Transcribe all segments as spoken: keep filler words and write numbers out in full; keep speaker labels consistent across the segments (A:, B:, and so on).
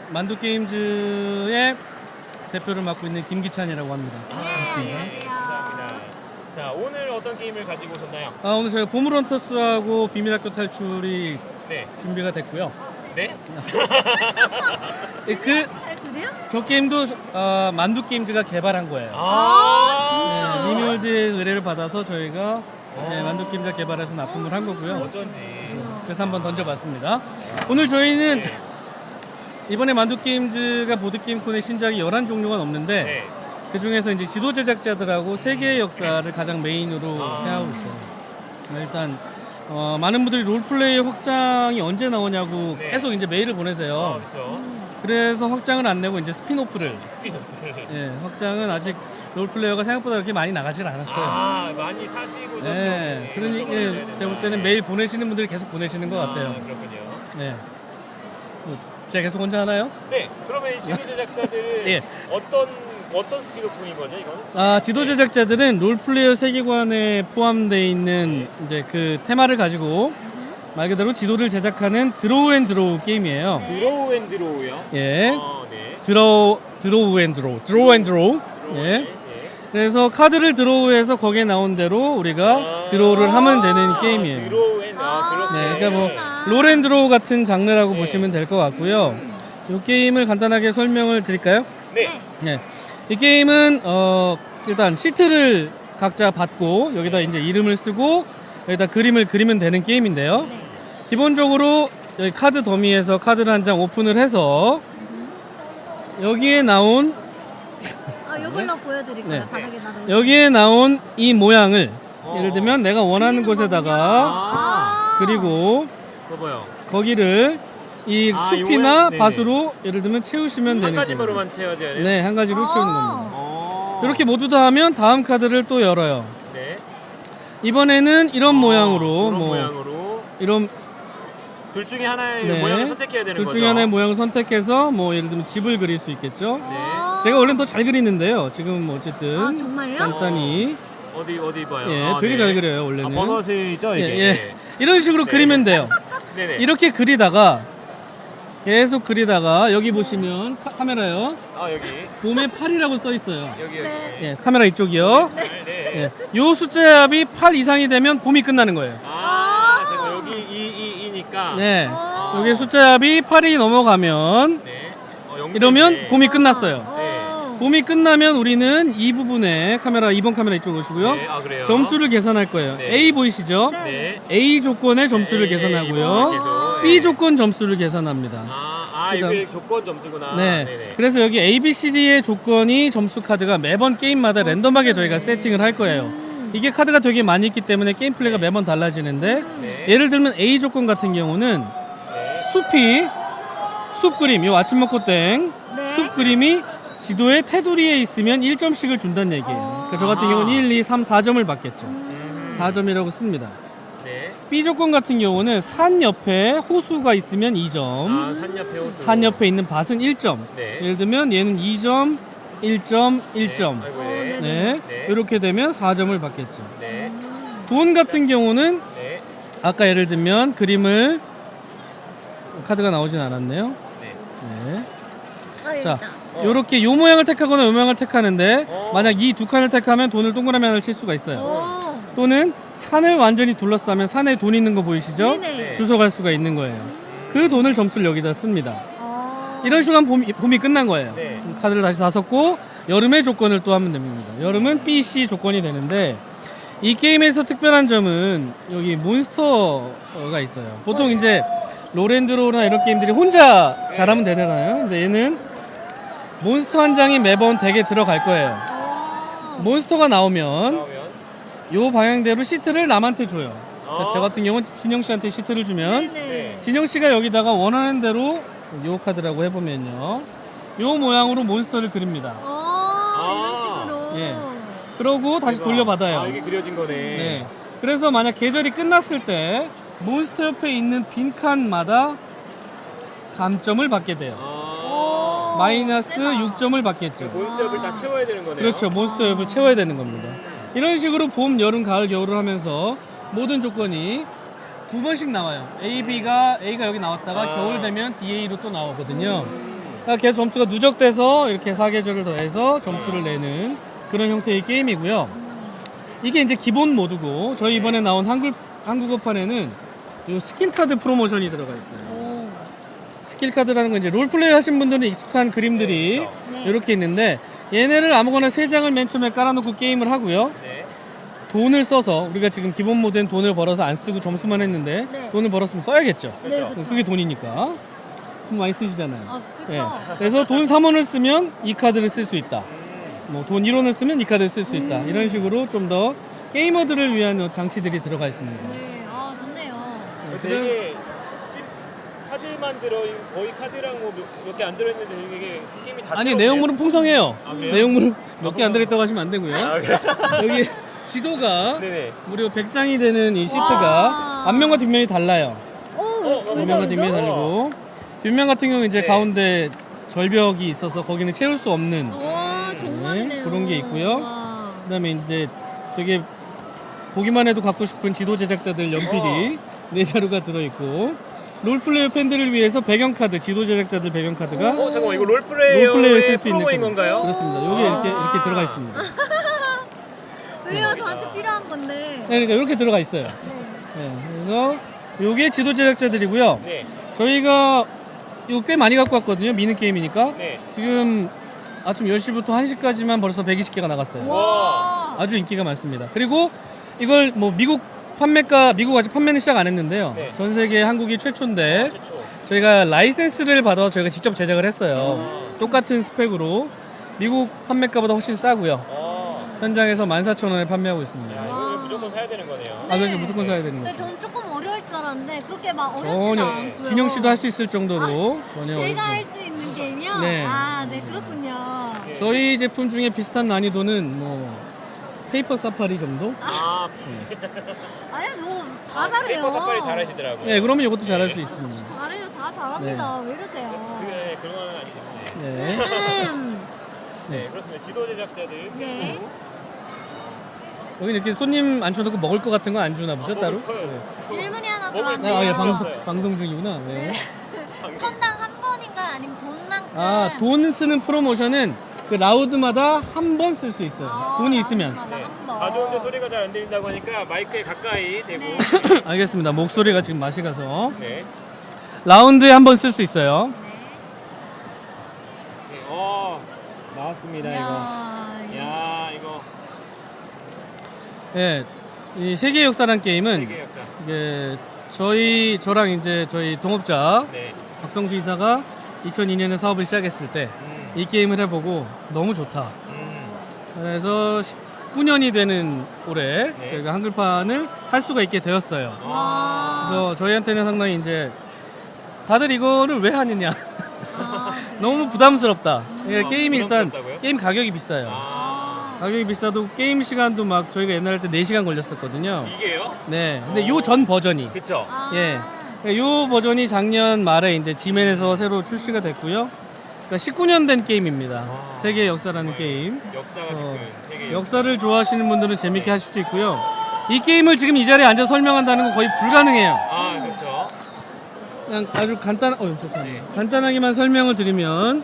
A: 만두게임즈의 대표를 맡고 있는 김기찬이라고 합니다.
B: 네,
A: 반갑습니다.
B: 안녕하세요.
C: 감사합니다. 자, 오늘 어떤 게임을 가지고 오셨나요?
A: 아, 오늘 저희가 보물헌터스하고 비밀학교 탈출이
C: 네.
A: 준비가 됐고요.
C: 네?
A: 예, 그,
B: 탈출이요?
A: 저 게임도 어, 만두게임즈가 개발한 거예요.
C: 아,
A: 네, 리뮤얼드의 의뢰를 받아서 저희가 네, 만두게임즈가 개발해서 납품을 한 거고요.
C: 어쩐지.
A: 그래서 한번 던져봤습니다. 오늘 저희는
C: 네.
A: 이번에 만두게임즈가 보드게임콘의 신작이 열한 종류가 넘는데
C: 네.
A: 그 중에서 이제 지도 제작자들하고 세계의 역사를 가장 메인으로
C: 아.
A: 생각하고 있어요. 일단 어, 많은 분들이 롤플레이 확장이 언제 나오냐고
C: 네.
A: 계속 이제 메일을
C: 어,
A: 보내세요.
C: 그렇죠.
A: 그래서 확장을 안 내고 이제 스피노프를
C: 스피드.
A: 예, 확장은 아직 롤플레이어가 생각보다 그렇게 많이 나가질 않았어요.
C: 아, 많이 사시고 좀
A: 네,
C: 좀
A: 그러니
C: 결정을
A: 예,
C: 하셔야
A: 제가 볼
C: 된다.
A: 때는 메일 보내시는 분들이 계속 보내시는 것 같아요.
C: 아, 그렇군요.
A: 네. 뭐, 제가 계속 혼자 하나요?
C: 네, 그러면 이 지도 제작자들은
A: 예.
C: 어떤 어떤 스피드폰인 거죠, 이거는?
A: 아, 지도 제작자들은 롤플레이어 세계관에 포함되어 있는 이제 그 테마를 가지고 말 그대로 지도를 제작하는 드로우 앤 드로우 게임이에요.
C: 드로우 앤 드로우요?
A: 예.
C: 어, 네.
A: 드로우 드로우 앤 드로우. 드로우 앤 드로우. 예.
C: 예.
A: 그래서 카드를 드로우해서 거기에 나온 대로 우리가
C: 아.
A: 드로우를 하면 되는 게임이에요.
C: 드로우 앤 아, 그렇게.
A: 네, 그러니까 뭐
B: 아.
A: 롤앤드로우 같은 장르라고
C: 네.
A: 보시면 될 것 같고요. 이 게임을 간단하게 설명을 드릴까요?
C: 네.
A: 네. 이 게임은 어 일단 시트를 각자 받고 여기다 이제 이름을 쓰고 여기다 그림을 그리면 되는 게임인데요.
B: 네.
A: 기본적으로 여기 카드 더미에서 카드를 한 장 오픈을 해서 여기에 나온
B: 아, 이걸로 보여드릴까요?
A: 네.
B: 바닥에 놔둬.
A: 여기에 나온 이 모양을
C: 어.
A: 예를 들면 내가 원하는
B: 그리는
A: 곳에다가
C: 아.
A: 그리고
C: 봐봐요.
A: 거기를 이
C: 아,
A: 숲이나
C: 요거는- 네네.
A: 밭으로 예를 들면 채우시면
C: 한
A: 되는
C: 가지만으로만 채워져야 돼요?
A: 네, 한 가지로
B: 아.
A: 채우는 겁니다.
C: 어.
A: 이렇게 모두 다 하면 다음 카드를 또 열어요.
C: 네.
A: 이번에는 이런 모양으로
C: 이런
A: 뭐
C: 모양으로
A: 이런
C: 둘 중에 하나의
A: 네.
C: 모양을 선택해야 되는
A: 둘
C: 거죠.
A: 중에 하나의 모양을 선택해서 뭐 예를 들면 집을 그릴 수 있겠죠.
C: 네.
B: 아.
A: 제가 원래는 더 잘 그리는데요. 지금 뭐 어쨌든
B: 아, 정말요?
A: 간단히
C: 어디 어디 봐요.
A: 예,
C: 아,
A: 되게
C: 네.
A: 잘 그려요
C: 아,
A: 원래는.
C: 버섯이죠
A: 예,
C: 이게.
A: 예. 이런 식으로
C: 네.
A: 그리면 돼요.
C: 네네.
A: 이렇게 그리다가 계속 그리다가 여기 보시면 카, 카메라요.
C: 아 여기
A: 봄에 팔이라고 써 있어요.
C: 여기 여기.
B: 네.
A: 예, 카메라 이쪽이요.
C: 네. 네.
A: 예, 요 숫자 합이 팔 이상이 되면 봄이 끝나는 거예요.
C: 아, 제가 여기 이 이 이니까.
A: 네.
B: 어.
A: 여기 숫자 합이 팔이 넘어가면
C: 네. 어, 영점이네.
A: 이러면 봄이 끝났어요.
B: 어.
A: 봄이 끝나면 우리는 이 부분에 카메라 이 번 카메라 이쪽으로 오시고요.
C: 네. 아 그래요.
A: 점수를 계산할 거예요.
C: 네.
A: A 보이시죠?
B: 네.
C: 네.
A: A 조건의 점수를
C: 네, 네,
A: 계산하고요.
C: 이번 계속.
A: B
C: 네.
A: 조건 점수를 계산합니다.
C: 아, 아
A: 그다음-
C: 이게 조건 점수구나.
A: 네.
C: 네네.
A: 그래서 여기 A, B, C, D의 조건이 점수 카드가 매번 게임마다 랜덤하게 저희가
B: 진짜네.
A: 세팅을 할 거예요.
B: 음.
A: 이게 카드가 되게 많이 있기 때문에 게임 플레이가 매번 달라지는데
C: 네.
A: 예를 들면 A 조건 같은 경우는
C: 네.
A: 숲이 숲 그림, 요 아침 먹고 땡
B: 네.
A: 숲 그림이 지도의 테두리에 있으면 일 점씩을 준다는 얘기예요.
B: 어.
A: 그러니까 저 같은
C: 아하.
A: 경우는 일, 이, 삼, 사 점을 받겠죠.
C: 음.
A: 사 점이라고 씁니다.
C: 네.
A: B 조건 같은 경우는 산 옆에 호수가 있으면 이 점,
C: 아, 산 옆에 호수.
A: 산 옆에 있는 밭은 일 점.
C: 네.
A: 예를 들면 얘는 이 점, 일 점, 일 점.
C: 네. 아이고,
B: 어,
C: 네.
B: 네.
A: 네.
C: 네.
A: 이렇게 되면 사 점을 받겠죠.
C: 네.
B: 음.
A: 돈 같은 경우는
C: 네.
A: 아까 예를 들면 그림을 카드가 나오진 않았네요.
C: 네.
A: 네.
B: 아, 여기
A: 자,
B: 있다.
C: 어.
A: 요렇게 요 모양을 택하거나 요 모양을 택하는데
C: 어.
A: 만약 이 두 칸을 택하면 돈을 동그라미 하나를 칠 수가 있어요.
B: 오.
A: 또는 산을 완전히 둘러싸면 산에 돈 있는 거 보이시죠?
B: 네네.
C: 네.
A: 주워 갈 수가 있는 거예요. 그 돈을 점수를 여기다 씁니다.
B: 어.
A: 이런 식으로 하면 봄이, 봄이 끝난 거예요.
C: 네.
A: 카드를 다시 다 섞고 여름의 조건을 또 하면 됩니다. 여름은 B, C 조건이 되는데 이 게임에서 특별한 점은 여기 몬스터가 있어요. 보통
B: 어.
A: 이제 롤앤드로우나 이런 게임들이 혼자 잘하면 되잖아요. 근데 얘는 몬스터 한 장이 매번 덱에 들어갈 거예요.
B: 어.
A: 몬스터가 나오면
C: 나오면
A: 요 방향대로 시트를 남한테 줘요. 그러니까
C: 어.
A: 저 같은 경우는 진영 씨한테 시트를 주면
B: 네네.
C: 네.
A: 진영 씨가 여기다가 원하는 대로 요 카드라고 해보면요. 요 모양으로 몬스터를 그립니다.
B: 어. 이런 식으로.
A: 예. 그러고 다시
C: 대박.
A: 돌려받아요.
C: 아, 이게 그려진 거네.
A: 네. 그래서 만약 계절이 끝났을 때 몬스터 옆에 있는 빈 칸마다 감점을 받게 돼요.
C: 아.
A: 마이너스
B: 세다.
A: 육 점을 받겠죠.
C: 몬스터를 다 채워야 되는 거네요.
A: 그렇죠. 몬스터 옆을 채워야 되는 겁니다. 이런 식으로 봄, 여름, 가을, 겨울을 하면서 모든 조건이 두 번씩 나와요. A, B가 A가 여기 나왔다가
C: 아.
A: 겨울 되면 D, A로 또 나오거든요. 계속 점수가 누적돼서 이렇게 사계절을 더해서 점수를 내는 그런 형태의 게임이고요. 이게 이제 기본 모드고 저희 이번에 나온 한글, 한국어판에는 이 스킬 카드 프로모션이 들어가 있어요.
B: 오.
A: 스킬 카드라는 건 이제 롤플레이 하신 분들은 익숙한 그림들이
B: 네.
A: 이렇게 있는데 얘네를 아무거나 세 장을 맨 처음에 깔아놓고 게임을 하고요.
C: 네.
A: 돈을 써서 우리가 지금 기본 모드엔 돈을 벌어서 안 쓰고 점수만 했는데
B: 네.
A: 돈을 벌었으면 써야겠죠.
B: 네,
C: 그렇죠.
B: 그쵸.
A: 그게 돈이니까 돈 많이 쓰시잖아요.
B: 아, 그쵸.
A: 예. 그래서 돈 삼 원을 쓰면 이 카드를 쓸 수 있다.
C: 음.
A: 뭐 돈 일 원을 쓰면 이 카드를 쓸 수 있다.
B: 음.
A: 이런 식으로 좀 더 게이머들을 위한 장치들이 들어가 있습니다.
B: 네, 아, 좋네요.
A: 네,
C: 되게 십 카드만 들어 거의 카드랑 뭐 몇 개 안 들어있는데 이게 게임이 다
A: 아니
C: 채워지네요.
A: 내용물은 풍성해요.
C: 아, 그래요?
A: 내용물은 몇 개 안 들어있다고 하시면 안 되고요.
C: 아, 그래요?
A: 여기 지도가
C: 네네.
A: 무려 백 장이 되는 이 시트가
B: 와.
A: 앞면과 뒷면이 달라요.
B: 오,
C: 어,
B: 왜
A: 앞면과
B: 다르죠?
A: 뒷면이 다르고 뒷면 같은 경우는 이제
C: 네.
A: 가운데 절벽이 있어서 거기는 채울 수 없는
B: 와, 정말이네요.
A: 그런 게 있고요.
B: 와.
A: 그다음에 이제 되게 보기만 해도 갖고 싶은 지도 제작자들 연필이 네 자루가 들어있고 롤플레이어 팬들을 위해서 배경카드, 지도 제작자들 배경카드가
C: 어 잠깐만 이거 롤플레이어의
A: 롤플레이어에 쓸 수 있는
C: 프로모인
A: 카드.
C: 건가요?
A: 그렇습니다. 여기
C: 아.
A: 이렇게 이렇게 들어가 있습니다.
B: 왜요? 저한테 필요한 건데.
A: 네, 그러니까 이렇게 들어가 있어요. 네, 그래서 요게 지도 제작자들이고요.
C: 네.
A: 저희가 이거 꽤 많이 갖고 왔거든요. 미는 게임이니까.
C: 네.
A: 지금 아침 열 시부터 한 시까지만 벌써 백이십 개가 나갔어요.
B: 와.
A: 아주 인기가 많습니다. 그리고 이걸 뭐 미국 판매가 미국 아직 판매는 시작 안 했는데요.
C: 네.
A: 전 세계 한국이 최초인데
C: 최초.
A: 저희가 라이센스를 받아서 저희가 직접 제작을 했어요.
C: 아.
A: 똑같은 스펙으로 미국 판매가보다 훨씬 싸고요.
C: 아.
A: 현장에서 만 사천 원에 판매하고 있습니다.
C: 야,
B: 와.
C: 이걸 무조건 사야 되는 거네요.
A: 아, 그래서 무조건 사야 되는
B: 네,
A: 거죠.
B: 전 조금 어려울 줄 알았는데 그렇게 막 어렵지도
A: 전혀
B: 않고요.
A: 진영 씨도 할 수 있을 정도로 전혀
B: 제가
A: 어렵지
B: 할 수 있는 게임이요?
A: 네.
B: 아, 네, 그렇군요.
C: 네.
A: 저희 제품 중에 비슷한 난이도는 뭐 페이퍼 사파리 정도?
C: 아,
B: 아니요, 저 다 잘해요.
C: 페이퍼 사파리 잘하시더라고요.
A: 네, 그러면 이것도 잘할 수 있습니다.
B: 잘해요, 다 잘합니다. 왜 이러세요?
C: 그게 그런 건 아니지. 네.
A: 네.
B: 음,
C: 네, 그렇습니다. 지도 제작자들.
B: 네.
C: 그리고
A: 여기 이렇게 손님 앉혀놓고 먹을 것 같은 거 안 주나 보죠,
C: 아,
A: 따로?
C: 먹을 거예요.
A: 네.
B: 질문이 하나
C: 먹을
A: 네, 아, 예,
C: 네.
B: 들어왔네요.
A: 방송, 방송 중이구나. 네.
B: 천당 한 번인가요? 아니면 돈만큼?
A: 아, 돈 쓰는 프로모션은 그 라우드마다 한 번 쓸 수 있어요.
B: 아,
A: 돈이 있으면.
B: 라운드마다
C: 네.
B: 한 번.
C: 가져오는데 소리가 잘 안 들린다고 하니까 마이크에 가까이 대고.
B: 네.
A: 알겠습니다. 목소리가 지금 맛이 가서.
C: 네.
A: 라운드에 한 번 쓸 수 있어요.
B: 네.
C: 네. 어, 나왔습니다 이거.
B: 이야,
C: 야, 이거
A: 예. 이 세계 역사란 게임은
C: 세계 역사.
A: 이게 저희 저랑 이제 저희 동업자
C: 네.
A: 박성수 이사가 이천이 년에 사업을 시작했을 때 이
C: 음.
A: 게임을 해보고 너무 좋다.
C: 음.
A: 그래서 십구 년이 되는 올해
C: 네.
A: 저희가 한글판을 할 수가 있게 되었어요.
B: 와.
A: 그래서 저희한테는 상당히 이제 다들 이거를 왜 하느냐
B: 아,
A: 너무 부담스럽다. 예,
C: 아,
A: 게임이 일단
C: 부담스럽다고요?
A: 게임 가격이 비싸요.
C: 아,
B: 아,
A: 가격이 비싸도 게임 시간도 막 저희가 옛날에 때 네 시간 걸렸었거든요.
C: 이게요?
A: 네. 근데 요 전 버전이
C: 그쵸?
B: 아.
A: 예. 요 버전이 작년 말에 이제 지멘에서 새로 출시가 됐고요. 그러니까 십구 년 된 게임입니다.
C: 아.
A: 세계 역사라는 게임.
C: 역사가
A: 어,
C: 지금 세계
A: 역사를 좋아하시는 분들은 재밌게 하실 수 있고요. 이 게임을 지금 이 자리에 앉아 설명한다는 건 거의 불가능해요.
C: 아, 그렇죠.
A: 그냥 아주 간단, 어, 죄송합니다. 간단하게만 설명을 드리면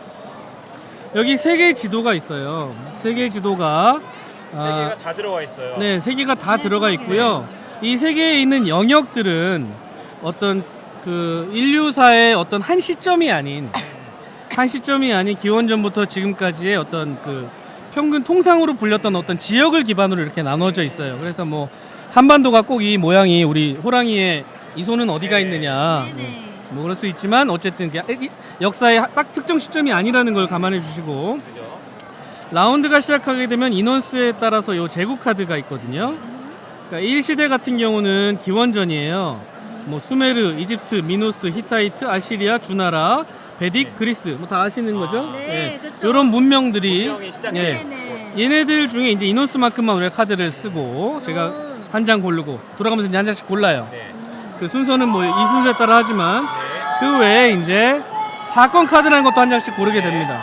A: 여기 세 개의 지도가 있어요. 세 개의 지도가
C: 세
A: 아,
C: 개가 다 들어와 있어요.
A: 네, 세 개가 다
B: 네,
A: 들어가
B: 그러게요.
A: 있고요. 이 세 개에 있는 영역들은 어떤 그 인류사의 어떤 한 시점이 아닌 한 시점이 아닌 기원전부터 지금까지의 어떤 그 평균 통상으로 불렸던 어떤 지역을 기반으로 이렇게 나눠져 있어요. 그래서 뭐 한반도가 꼭 이 모양이 우리 호랑이의 이 손은 어디가
C: 네.
A: 있느냐
B: 네네.
A: 뭐 그럴 수 있지만 어쨌든 그 역사의 딱 특정 시점이 아니라는 걸 감안해 주시고
C: 그죠?
A: 라운드가 시작하게 되면 인원수에 따라서 요 제국 카드가 있거든요. 그러니까 일 시대 같은 경우는 기원전이에요. 뭐 수메르, 이집트, 미노스, 히타이트, 아시리아, 주나라, 베딕, 그리스 뭐 다 아시는 거죠?
B: 네, 그쵸.
A: 이런 문명들이
C: 문명이 시작된
A: 예.
B: 네네.
A: 얘네들 중에 이제 인원수만큼만 우리가 카드를 쓰고 제가
B: 음.
A: 한 장 고르고 돌아가면서 이제 한 장씩 골라요.
C: 네.
A: 그 순서는 뭐 이 순서에 따라 하지만
C: 네.
A: 그 외에 이제 사건 카드라는 것도 한 장씩 고르게 됩니다.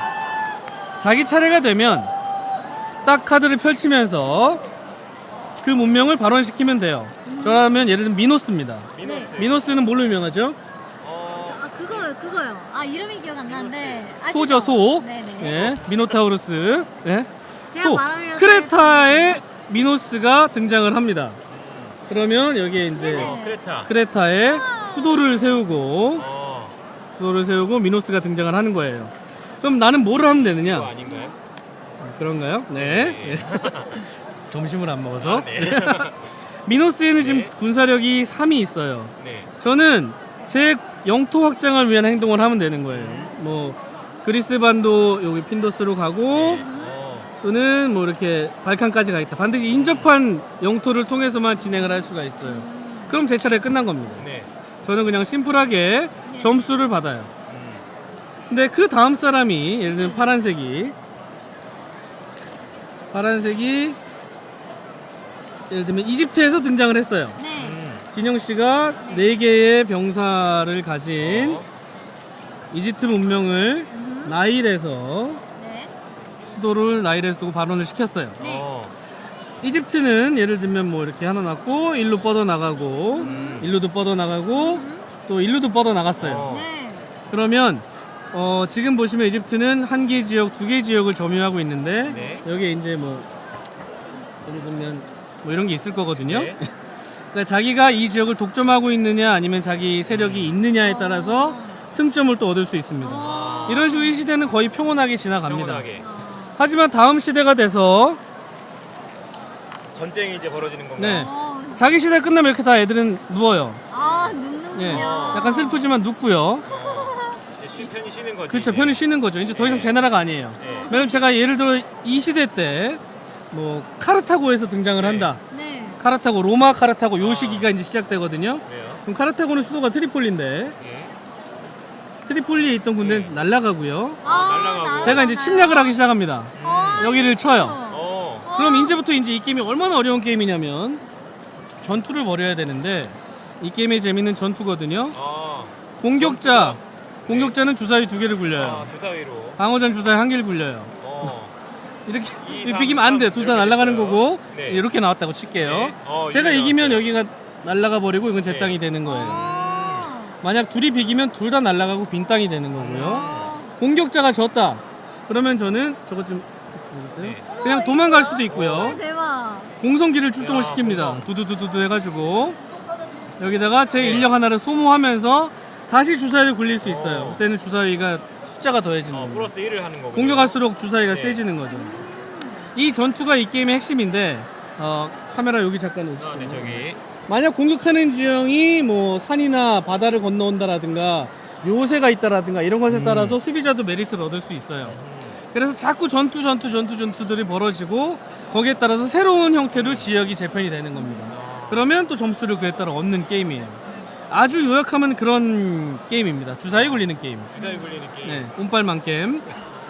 A: 자기 차례가 되면 딱 카드를 펼치면서 그 문명을 발원시키면 돼요. 저라면 예를 들면 미노스입니다.
C: 미노스.
A: 미노스는 뭘로 유명하죠?
C: 어,
B: 아, 그거였어요? 그 그거요. 아 이름이 기억 안 나는데. 아시죠?
A: 소죠, 소.
B: 네네.
A: 예, 미노타우루스. 예.
B: 제가
A: 소.
B: 말하려고
A: 크레타에 미노스가 등장을 합니다. 그러면 여기에 이제
B: 네네.
C: 어, 크레타.
A: 크레타에 수도를 세우고
C: 어,
A: 수도를 세우고 미노스가 등장을 하는 거예요. 그럼 나는 뭐를 하면 되느냐?
C: 그거 아닌가요?
A: 그런가요? 네. 점심을 안 먹어서.
C: 아, 네.
A: 미노스에는 지금
C: 네.
A: 군사력이 삼이 있어요.
C: 네.
A: 저는 제 영토 확장을 위한 행동을 하면 되는 거예요. 뭐 그리스 반도 여기 핀도스로 가고
C: 어,
A: 또는 뭐 이렇게 발칸까지 가겠다. 반드시 인접한 영토를 통해서만 진행을 할 수가 있어요. 그럼 제 차례 끝난 겁니다.
C: 네.
A: 저는 그냥 심플하게
B: 네.
A: 점수를 받아요.
C: 음,
A: 근데 그 다음 사람이 예를 들면 파란색이 파란색이 예를 들면 이집트에서 등장을 했어요.
B: 네.
C: 음.
A: 진영 씨가 네 개의 병사를 가진
C: 어,
A: 이집트 문명을
B: 음.
A: 나일에서
B: 네.
A: 수도를 나일에서 두고 발원을 시켰어요.
B: 네.
C: 어,
A: 이집트는 예를 들면 뭐 이렇게 하나 놨고 일로 뻗어 나가고
C: 음.
A: 일로도 뻗어 나가고
B: 음.
A: 또 일로도 뻗어 나갔어요.
C: 어.
B: 네.
A: 그러면 어, 지금 보시면 이집트는 한 개 지역, 두 개 지역을 점유하고 있는데
C: 네.
A: 여기에 이제 뭐 예를 들면 뭐 이런 게 있을 거거든요.
C: 네.
A: 그러니까 자기가 이 지역을 독점하고 있느냐 아니면 자기 세력이 있느냐에 따라서 승점을 또 얻을 수 있습니다.
B: 어.
A: 이런 식으로 이 시대는 거의 평온하게 지나갑니다.
C: 평온하게.
B: 어.
A: 하지만 다음 시대가 돼서
C: 전쟁이 이제 벌어지는 건가요?
A: 네.
B: 어.
A: 자기 시대 끝나면 이렇게 다 애들은 누워요.
B: 아 눕는군요.
A: 예. 약간 슬프지만 눕고요.
C: 이제 쉬, 편히 쉬는 거지.
A: 그렇죠.
C: 이제.
A: 편히 쉬는 거죠. 이제 더 이상
C: 네.
A: 제 나라가 아니에요.
C: 네.
A: 왜냐면 제가 예를 들어 이 시대 때 뭐 카르타고에서 등장을
C: 네.
A: 한다.
B: 네.
A: 카르타고, 로마 카르타고 요
C: 아.
A: 시기가 이제 시작되거든요.
C: 왜요?
A: 그럼 카르타고는 수도가 트리폴리인데
C: 예.
A: 트리폴리에 있던 군대는
C: 네.
A: 날아가고요.
B: 아,
C: 날라가고.
B: 나도
A: 제가 이제
B: 알아요.
A: 침략을 하기 시작합니다.
B: 어,
A: 여기를 쳐요.
C: 어.
B: 어.
A: 그럼 이제부터 이제 이 게임이 얼마나 어려운 게임이냐면 전투를 벌여야 되는데 이 게임의 재미는 전투거든요.
C: 어.
A: 공격자,
C: 전투가.
A: 공격자는 주사위 두 개를
C: 아,
A: 굴려요.
C: 주사위로.
A: 방어전 주사위 한 개를 굴려요.
C: 어.
A: 이렇게
C: 이,
A: 이렇게
C: 삼,
A: 비기면 안 돼.
C: 삼
A: 둘 다
C: 이렇게
A: 날아가는
C: 됐어요.
A: 거고
C: 네.
A: 이렇게 나왔다고 칠게요.
C: 네. 어,
A: 제가
C: 이렇게
A: 이기면
C: 나왔어요.
A: 여기가 날아가 버리고 이건 제
C: 네.
A: 땅이 되는 거예요.
B: 어.
A: 만약 둘이 비기면 둘 다 날아가고 빈 땅이 되는 거고요.
B: 어.
A: 공격자가 졌다. 그러면 저는 저것 좀 보세요.
C: 네.
A: 그냥
B: 어머,
A: 도망갈
B: 이거요?
A: 수도 있고요.
B: 어, 대박.
A: 공성기를 출동을
C: 야,
A: 시킵니다.
C: 공성.
A: 두두두두두 해가지고 여기다가 제
C: 네.
A: 인력 하나를 소모하면서 다시 주사위를 굴릴 수 있어요.
C: 어.
A: 그때는 주사위가 숫자가 더해지는
C: 어,
A: 거예요.
C: 플러스 일을 하는 거고.
A: 공격할수록 주사위가
C: 네.
A: 세지는 거죠. 이 전투가 이 게임의 핵심인데 어, 카메라 여기 잠깐 오시죠.
C: 아, 네, 저기.
A: 만약 공격하는 지형이 뭐 산이나 바다를 건너온다라든가 요새가 있다라든가 이런 것에
C: 음.
A: 따라서 수비자도 메리트를 얻을 수 있어요. 그래서 자꾸 전투 전투 전투 전투들이 벌어지고 거기에 따라서 새로운 형태로 지역이 재편이 되는 겁니다. 그러면 또 점수를 그에 따라 얻는 게임이에요. 아주 요약하면 그런 게임입니다. 주사위 굴리는 게임.
C: 주사위 굴리는 게임.
A: 네, 운빨만 게임.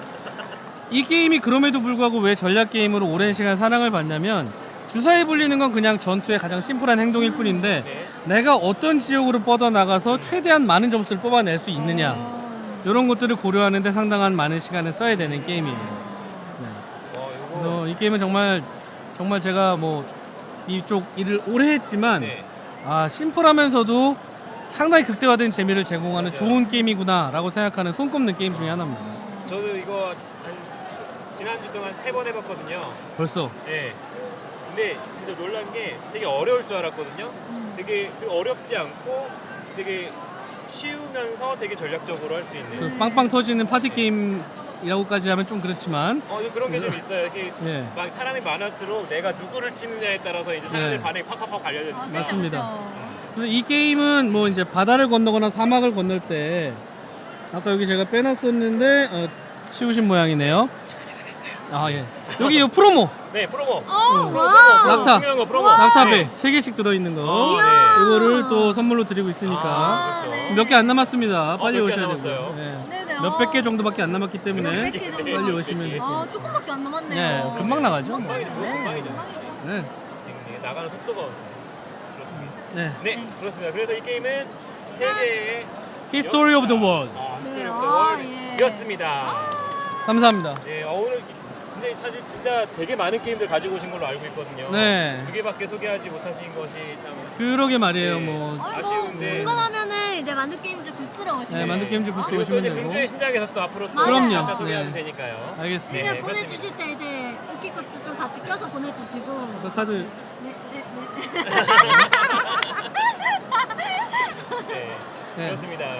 A: 이 게임이 그럼에도 불구하고 왜 전략 게임으로 오랜 시간 사랑을 받냐면 주사위 굴리는 건 그냥 전투의 가장 심플한 행동일 뿐인데
C: 네.
A: 내가 어떤 지역으로 뻗어 나가서 최대한 많은 점수를 뽑아낼 수 있느냐 이런 것들을 고려하는데 상당한 많은 시간을 써야 되는 게임이에요. 네.
C: 어, 요거.
A: 그래서 이 게임은 정말 정말 제가 뭐 이쪽 일을 오래 했지만
C: 네.
A: 아 심플하면서도 상당히 극대화된 재미를 제공하는
C: 맞아요.
A: 좋은 게임이구나라고 생각하는 손꼽는 게임 중에 하나입니다.
C: 저도 이거 한 지난주 동안 세 번 해봤거든요.
A: 벌써
C: 네. 근데 진짜 놀란 게 되게 어려울 줄 알았거든요. 되게 그 어렵지 않고 되게 쉬우면서 되게 전략적으로 할 수 있는.
A: 그 빵빵 터지는 파티 게임이라고까지 하면 좀 그렇지만
C: 어, 그런 게 좀 있어요. 이렇게
A: 예.
C: 막 사람이 많을수록 내가 누구를 치느냐에 따라서 이제 사람들
A: 네.
C: 반응이 팍팍팍 갈려져.
B: 아, 그쵸,
A: 맞습니다.
B: 그쵸.
A: 그래서 이 게임은 뭐 이제 바다를 건너거나 사막을 건널 때 아까 여기 제가 빼놨었는데 어, 치우신 모양이네요. 아 예. 여기 이 프로모
C: 네, 프로모.
B: 어,
A: 응.
B: 와우.
A: 낙타.
C: 중요한 거 프로모.
A: 낙타배
C: 네.
A: 세 개씩 들어있는 거.
C: 어, 네.
A: 이거를 또 선물로 드리고 있으니까
C: 아, 그렇죠.
B: 네.
A: 몇 개 안 남았습니다. 빨리
C: 몇 개 안
A: 오셔야 되고요.
C: 남았어요?
A: 예.
B: 네네.
A: 몇백 개 정도밖에 안 남았기 때문에
B: 몇백 개 정도.
A: 빨리 오시면 돼요.
B: 아, 조금밖에 안 남았네요.
A: 네, 금방 나가죠.
C: 금방이죠.
B: 네.
C: 금방이죠.
A: 네.
C: 이게 나가는 속도가 그렇습니다.
A: 네.
C: 네,
B: 네.
C: 그렇습니다. 그래서 이 게임은 세계의
A: History of the World.
C: 아,
B: 네,
C: 히스토리 오브
B: 아,
C: 더
B: 예.
C: 월드였습니다.
A: 감사합니다.
C: 네, 어, 오늘 근데 사실 진짜 되게 많은 게임들 가지고 오신 걸로 알고 있거든요.
A: 네.
C: 두 개밖에 소개하지 못하신 것이 참
A: 그러게 말이에요.
C: 네.
A: 뭐
B: 어이, 뭐
C: 아쉬운데.
B: 궁금하면은 이제 만두게임즈 부스로 오시면
A: 네, 만두게임즈 부스
C: 그리고 또
A: 오시면
C: 이제
A: 되고.
C: 금주의 신작에서 또 앞으로 또
B: 맞아요.
C: 가짜 소개하면
A: 네.
C: 되니까요.
A: 알겠습니다.
B: 그냥
C: 네,
B: 보내주실 때 이제 웃긴 것도 좀 같이 껴서 보내주시고.
A: 그 카드
B: 네, 네, 네.
C: 네.
A: 네.
C: 그렇습니다.